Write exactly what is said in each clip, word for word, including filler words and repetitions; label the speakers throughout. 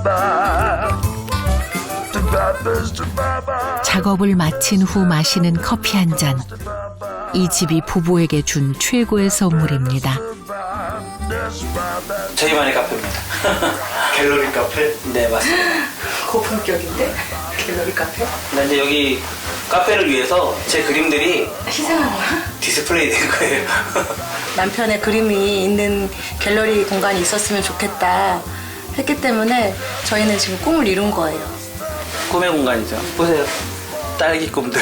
Speaker 1: 작업을 마친 후 마시는 커피 한 잔. 이 집이 부부에게 준 최고의 선물입니다.
Speaker 2: 저희만의 카페입니다.
Speaker 3: 갤러리 카페?
Speaker 2: 네, 맞습니다.
Speaker 4: 고품격인데? 갤러리 카페?
Speaker 2: 근데 이제 여기 카페를 위해서 제 그림들이
Speaker 4: 희생한 거야?
Speaker 2: 디스플레이 된 거예요.
Speaker 4: 남편의 그림이 있는 갤러리 공간이 있었으면 좋겠다 했기 때문에 저희는 지금 꿈을 이룬 거예요.
Speaker 2: 꿈의 공간이죠. 보세요. 딸기 꿈들.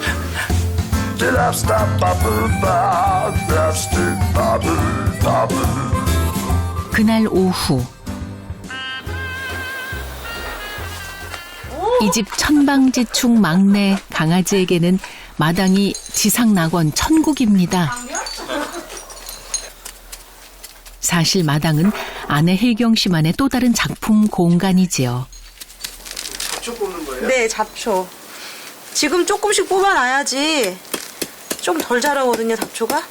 Speaker 1: 그날 오후 이 집 천방지축 막내 강아지에게는 마당이 지상낙원 천국입니다. 사실 마당은 아내 혜경 씨만의 또 다른 작품 공간이지요.
Speaker 3: 잡초 뽑는 거예요?
Speaker 4: 네, 잡초. 지금 조금씩 뽑아놔야지 좀 덜 자라거든요, 잡초가.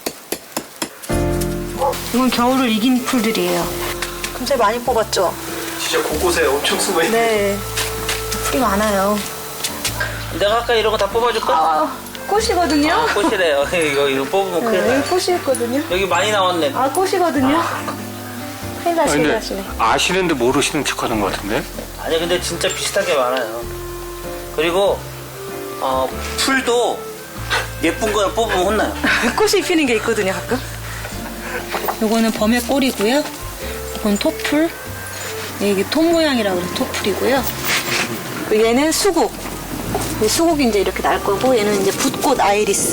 Speaker 4: 이건 겨울을 이긴 풀들이에요. 금세 많이 뽑았죠?
Speaker 3: 진짜 곳곳에 엄청 숨어있네.
Speaker 4: 네, 풀이 많아요.
Speaker 2: 내가 아까 이런 거 다 뽑아줄까?
Speaker 4: 아, 꽃이거든요?
Speaker 2: 아, 꽃이래요. 이거, 이거 뽑으면 큰일
Speaker 4: 네,
Speaker 2: 나요.
Speaker 4: 여기 꽃이었거든요.
Speaker 2: 여기 많이 나왔네.
Speaker 4: 아, 꽃이거든요. 큰일 나시네, 하시네.
Speaker 3: 아시는데 모르시는 척하는 것 같은데?
Speaker 2: 아니, 근데 진짜 비슷하게 많아요. 그리고, 어, 풀도 예쁜 거 뽑으면 혼나요.
Speaker 4: 꽃이 피는 게 있거든요, 가끔. 요거는 범의 꼴이고요. 이건 토풀. 이게 톱 모양이라고 해서 토풀이고요. 얘는 수국. 수국이 이제 이렇게 날 거고, 얘는 이제 붓꽃 아이리스.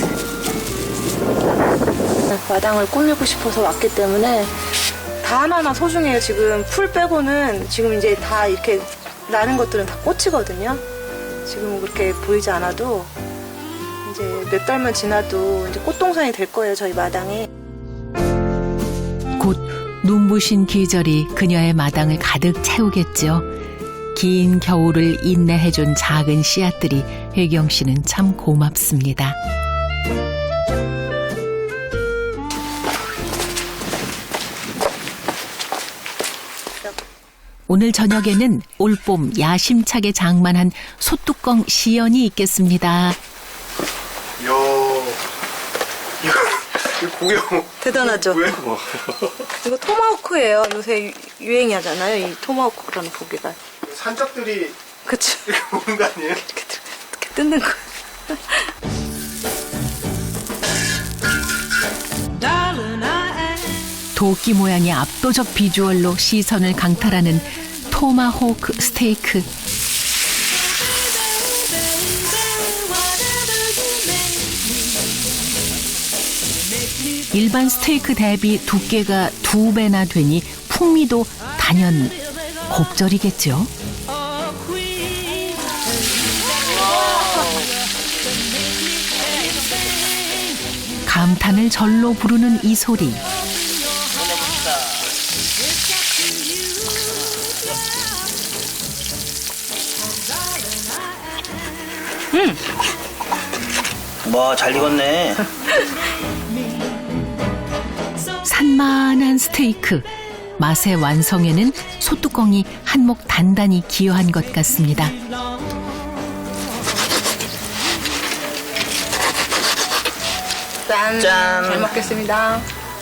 Speaker 4: 마당을 꾸미고 싶어서 왔기 때문에 다 하나하나 소중해요. 지금 풀 빼고는 지금 이제 다 이렇게 나는 것들은 다 꽃이거든요. 지금 그렇게 보이지 않아도 이제 몇 달만 지나도 이제 꽃동산이 될 거예요, 저희 마당이.
Speaker 1: 곧 눈부신 계절이 그녀의 마당을 가득 채우겠죠. 긴 겨울을 인내해준 작은 씨앗들이 혜경 씨는 참 고맙습니다. 오늘 저녁에는 올봄 야심차게 장만한 소뚜껑 시연이 있겠습니다.
Speaker 3: 이야, 이거, 이거 구경.
Speaker 4: 대단하죠?
Speaker 3: 왜? 뭐.
Speaker 4: 이거 토마호크예요. 요새 유- 유행이 하잖아요. 이 토마호크라는 고기가.
Speaker 3: 산적들이
Speaker 4: 그쵸?
Speaker 3: 이렇게 보는 거 아니에요?
Speaker 4: 이렇게, 들- 이렇게 뜯는 거.
Speaker 1: 도끼 모양의 압도적 비주얼로 시선을 강탈하는 토마호크 스테이크. 일반 스테이크 대비 두께가 두 배나 되니 풍미도 단연 곱절이겠죠. 감탄을 절로 부르는 이 소리.
Speaker 2: 와, 잘 익었네.
Speaker 1: 산만한 스테이크. 맛의 완성에는 소뚜껑이 한몫 단단히 기여한 것 같습니다.
Speaker 4: 짠.
Speaker 2: 짠.
Speaker 4: 잘 먹겠습니다.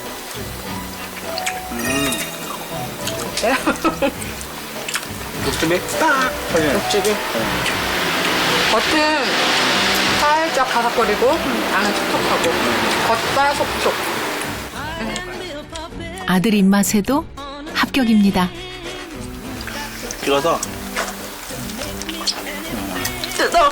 Speaker 3: 육즙이 딱 터지네.
Speaker 4: 육즙이. 겉은 살짝 바삭거리고 안은 촉촉하고 겉바 속촉.
Speaker 1: 아들 입맛에도 합격입니다.
Speaker 2: 찍어서.
Speaker 4: 뜯어.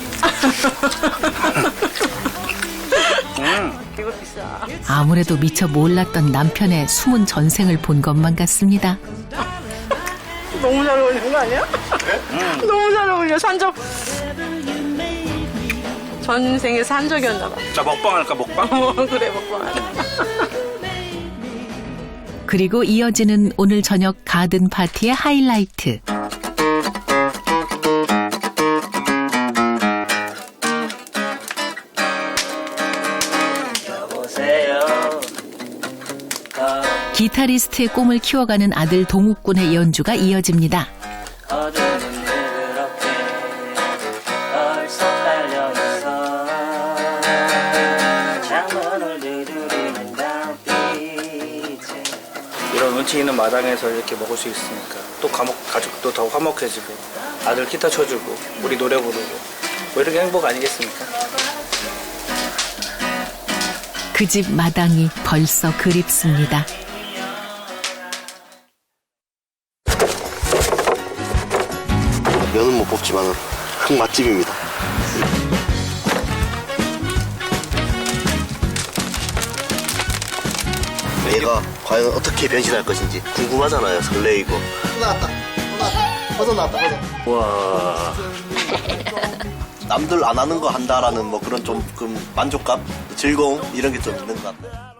Speaker 2: 음.
Speaker 4: 이거 비싸.
Speaker 1: 아무래도 미처 몰랐던 남편의 숨은 전생을 본 것만 같습니다.
Speaker 4: 너무 잘 어울리는 거 아니야?
Speaker 2: 음.
Speaker 4: 너무 잘 어울려. 산적. 전생에 산적이었나 봐.
Speaker 2: 자, 먹방 할까, 먹방?
Speaker 4: 어, 그래, 먹방.
Speaker 1: 그리고 이어지는 오늘 저녁 가든 파티의 하이라이트.
Speaker 2: 여보세요.
Speaker 1: 기타리스트의 꿈을 키워가는 아들 동욱 군의 연주가 이어집니다.
Speaker 2: 어둠은 그렇게 벌써 깔려있어 창문을 두드리는 달빛에 이런 운치 있는 마당에서 이렇게 먹을 수 있으니까 또 가족, 가족도 더 화목해지고 아들 기타 쳐주고 우리 노래 부르고 뭐 이런 게 행복 아니겠습니까?
Speaker 1: 그 집 마당이 벌써 그립습니다.
Speaker 5: 면은 못 뽑지만 흑 맛집입니다. 얘가 과연 어떻게 변신할 것인지 궁금하잖아요. 설레이고. 나왔다. 나왔다. 버섯 나왔다. 버섯.
Speaker 2: 와
Speaker 5: 남들 안 하는 거 한다라는 뭐 그런 좀 그 만족감, 즐거움 이런 게 좀 있는 것 같아요.